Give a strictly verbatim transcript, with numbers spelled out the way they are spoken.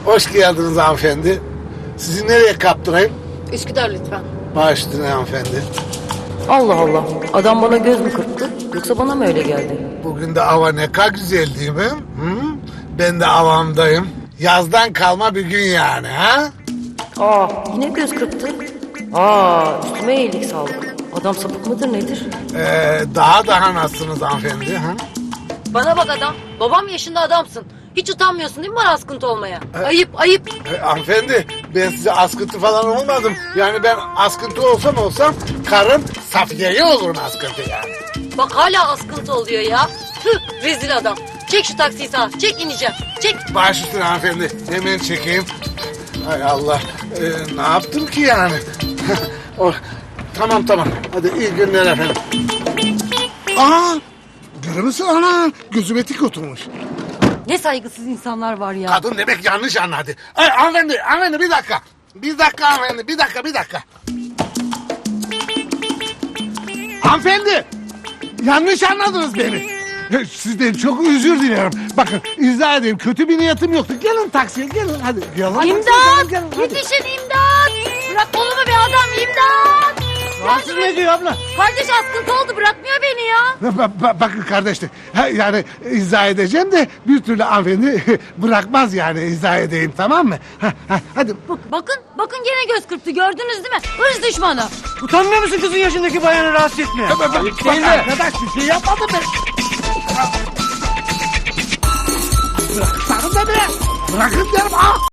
Hoş geldiniz hanımefendi. Sizi nereye kaptırayım? Üsküdar lütfen. Baş üstüne hanımefendi. Allah Allah. Adam bana göz mü kırptı? Yoksa bana mı öyle geldi? Bugün de hava ne kadar güzel değil mi? Hı? Ben de havamdayım. Yazdan kalma bir gün yani ha? Aa, yine göz kırptı. Aa, üstüme iyilik sağlık. Adam sapık mıdır nedir? Ee, daha daha nasılsınız hanımefendi? Ha? Bana bak adam. Babam yaşında adamsın. Hiç utanmıyorsun değil mi bana askıntı olmaya? Ayıp ayıp. Ee, hanımefendi ben size askıntı falan olmadım. Yani ben askıntı olsam olsam karım Safiye'ye olurum askıntı yani. Bak hala askıntı oluyor ya. Tüh, rezil adam. Çek şu taksiyi sağa. Çek ineceğim. Çek. Baş üstüne hanımefendi. Hemen çekeyim. Hay Allah. Ee, ne yaptım ki yani? o, tamam tamam. Hadi iyi günler efendim. Aa! Görüyor musun ana? Gözüme tik oturmuş. Ne saygısız insanlar var ya. Kadın demek yanlış anladı. Ay, hanımefendi, hanımefendi bir dakika. Bir dakika hanımefendi, bir dakika, bir dakika. Hanımefendi! Yanlış anladınız beni. Sizden çok özür dilerim. Bakın izah edeyim. Kötü bir niyetim yoktu. Gelin taksiye gelin hadi. Gelin. İmdat! Gelin, hadi. Yetişin imdat! Bırak kolumu be adam imdat! Rahatsız ne diyor abla? Kardeş askıntı oldu bırakmıyor beni ya. Ba- ba- bakın kardeşler. Ha, yani izah edeceğim de bir türlü hanımefendi bırakmaz yani izah edeyim tamam mı? Ha, ha, hadi. Bakın bakın gene göz kırptı gördünüz değil mi? Hırs düşmanı. Utanmıyor musun kızın yaşındaki bayanı rahatsız etmeye? Bak, bak, bak arkadaş bir şey yapmadım ben. Bırak, sakın da be. Bırakın derim ha.